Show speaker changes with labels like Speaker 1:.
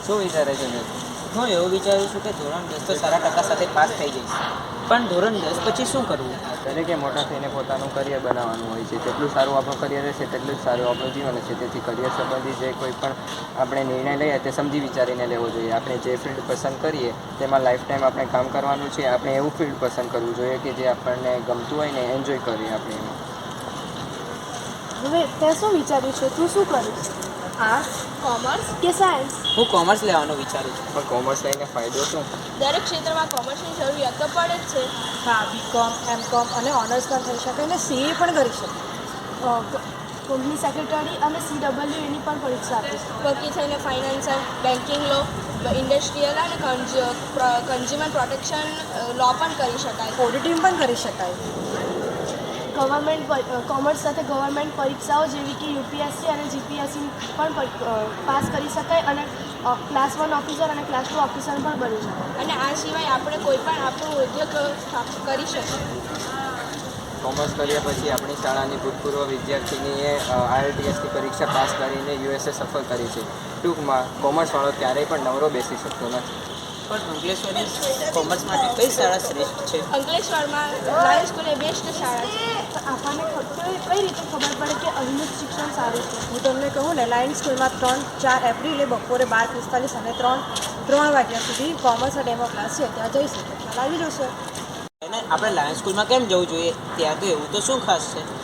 Speaker 1: શું વિચારે છે ને?
Speaker 2: હું એવું વિચારું છું કે ધોરણ 10 તો સારા ટકા સાથે પાસ થઈ જઈશ, પણ ધોરણ 10 પછી શું કરવું?
Speaker 1: દરેકે મોટા થઈને પોતાનું કરિયર બનાવવાનું હોય છે. જેટલું સારું આપણું કરિયર રહેશે તેટલું જ સારું આપણું જીવન હશે. તેથી કરિયર સંબંધી જે કોઈ પણ આપણે નિર્ણય લઈએ તે સમજી વિચારીને લેવો જોઈએ. આપણે જે ફિલ્ડ પસંદ કરીએ તેમાં લાઈફ ટાઈમ આપણે કામ કરવાનું છે. આપણે એવું ફિલ્ડ પસંદ કરવું જોઈએ કે જે આપણને ગમતું હોય ને એન્જોય કરીએ આપણે એમાં.
Speaker 3: હવે તે શું વિચાર્યું છે? તું શું કરીશ? આર્ટ્સ, કોમર્સ કે સાયન્સ?
Speaker 2: હું કોમર્સ લેવાનું વિચારું છું.
Speaker 1: પણ કોમર્સ લઈને ફાયદો શું?
Speaker 3: દરેક ક્ષેત્રમાં કોમર્સની જરૂરિયાત તો પડે જ છે. હા, બીકોમ, એમકોમ અને ઓનર્સ પણ થઈ શકે અને સીએ પણ કરી શકે. કંપની સેક્રેટરી અને CWE એની પણ પરીક્ષા આપી શકે. વકીલ થઈને ફાઇનાન્સર, બેન્કિંગ લો, ઇન્ડસ્ટ્રીયલ અને કન્ઝ્યુમર પ્રોટેક્શન લો પણ કરી શકાય. ઓડિટિંગ પણ કરી શકાય. કોમર્સ સાથે ગવર્મેન્ટ પરીક્ષાઓ જેવી કે UPSC અને GPSC પણ પાસ કરી શકાય અને ક્લાસ 1 ઓફિસર અને ક્લાસ 2 ઓફિસર પણ બની શકાય. અને આ સિવાય આપણે કોઈ પણ આપણો ઉદ્યોગ કરી શકીએ.
Speaker 1: કોમર્સ કર્યા પછી આપણી શાળાની ભૂતપૂર્વ વિદ્યાર્થીનીએ IELTSની પરીક્ષા પાસ કરીને USA સફળ કરી છે. ટૂંકમાં કોમર્સવાળો ક્યારેય પણ નવરો બેસી શકતો નથી.
Speaker 2: પણ અંકલેશ્વરની કોમર્સ માટે કઈ શાળા શ્રેષ્ઠ છે?
Speaker 3: અંકલેશ્વરમાં લાયન્સ સ્કૂલ એ બેસ્ટ શાળા છે. આપણને કઈ રીતે ખબર પડે કે અહીંનું શિક્ષણ સારું છે? હું તમને કહું ને, લાયન્સ સ્કૂલમાં 3-4 એપ્રિલે બપોરે 12:45 અને 3 વાગ્યા સુધી કોમર્સ ડેમો ક્લાસ છે. ત્યાં જઈ શકે. ખ્યાલ આવી જશે.
Speaker 2: અને આપણે લાયન્સ સ્કૂલમાં કેમ જવું જોઈએ? ત્યાં તો એવું તો શું ખાસ છે?